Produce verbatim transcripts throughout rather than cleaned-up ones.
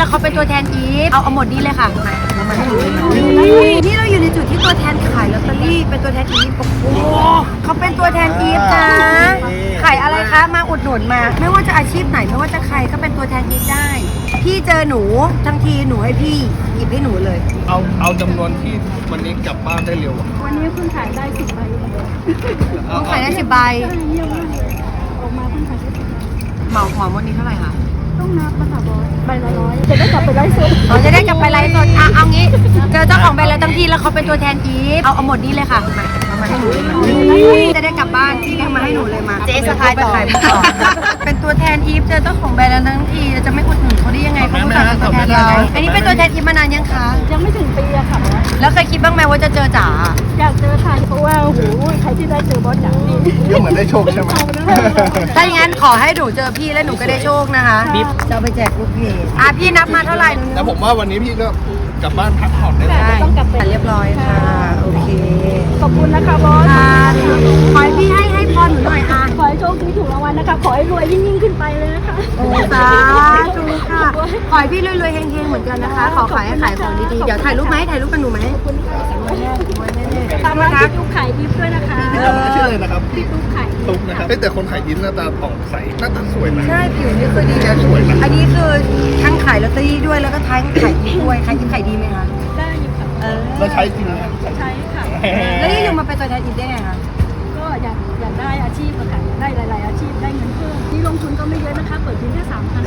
แล้วเขาเป็นตัวแทนอีฟเอาเอาหมดนี้เลยค่ะมามาให้หนูเลยนี่เราอยู่ในจุดที่ตัวแทนขายลอตเตอรี่เป็นตัวแทนอีฟโอ้โหเขาเป็นตัวแทนอีฟนะขายอะไรคะมาอุดหนุนมา ไม่ว่าจะอาชีพไหนไม่ว่าจะใครก็เป็นตัวแทนอีฟได้พี่เจอหนูทั้งทีหนูให้พี่หยิบให้หนูเลยเอาเอาจำนวนที่วันนี้กลับบ้านได้เร็ววันนี้เพิ่งขายได้สิบใบเลยต้องขายได้สิบใบเยี่ยมมากออกมาเพิ่งขายได้สิบใบเหมาหอมวันนี้เท่าไหร่คะต้องนับภาษาบอสใบละร้อยจะได้กลับไปไลฟ์สดเราจะได้กลับไปไลฟ์สดอ่ะเอางี้เจอเจ้าของแบรนด์แล้วทั้งทีแล้วเขาเป็นตัวแทนอีฟเอาเอาหมดนี้เลยค่ะมาเอามาให้หนูเลยมาจะได้กลับบ้านพี่แกมาให้หนูเลยมาเจ๊สะพายต่อเป็นตัวแทนอีฟเจอเจ้าของแบรนด์แล้วทั้งทีจะไม่อุดหนุนเขาได้ยังไงเขาต้องการเป็นตัวแทนเราอันนี้เป็นตัวแทนอีฟมานานยังคะยังไม่ถึงปีอะค่ะบอสแล้วเคยคิดบ้างไหมว่าจะเจอจ๋าอยากเจอค่ะเพราะว่าโอ้โหใครที่ได้เจอบอสอย่างนี้ก็เหมือนได้โชคใช่ไหมถ้าอย่างนั้นขอให้หนูเจอพี่และหนูก็ได้โชคนะคะจะเอาไปแจกลูกเพจอ่ะพี่นับมาเท่าไหร่แต่ผมว่าวันนี้พี่ก็กลับบ้านพักผ่อนได้แล้วได้เรียบร้อยค่ะโอเคขอบคุณนะคะบอสค่ะขอให้พี่ให้ให้พรหนูหน่อยอ่ะขอให้โชคดีถูกรางวัลนะคะขอให้รวยยิ่งยิ่งขึ้นไปเลยนะคะโอ้สาธุค่ะขอให้พี่รวยๆเฮงๆเหมือนกันนะคะ ขอขายให้ขายของดีๆเดี๋ยวถ่ายรูปไหมถ่ายรูปกับหนูไหมขอบคุณค่ะตามมามาที่ลูกขายดิฟด้วยนะคะพี่ทำชื่อเลยนะครับพี่ลูกขายดิฟตุ๊กนะครับเอ้ยแต่คนขายยิ้มหน้าตาผ่องใสหน้าตาสวยนะใช่ผิวนี่คือดีนะอันนี้คือทั้งขายลอตเตอรี่ด้วยแล้วก็ทั้งขายดีด้วยขายดีขายดีไหมคะได้อยู่ค่ะเออแล้วใช้จริงนะใช้ค่ะแล้วนี่อยู่มาเป็นตัวแทนอีกได้ไงคะก็อยากอยากได้อาชีพอะค่ะอยากได้หลาย ๆ อาชีพได้เงินเพิ่มนี่ลงทุนก็ไม่เยอะนะคะ เปิดเพียงแค่สามพัน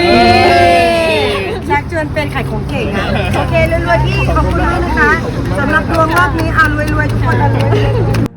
ชักชวนเป็นขายของเก่งอ่ะโอเครวยๆพี่ขอบคุณมากนะคะสำหรับดวงรอบนี้เอารวยๆทุกคนเอารวยๆ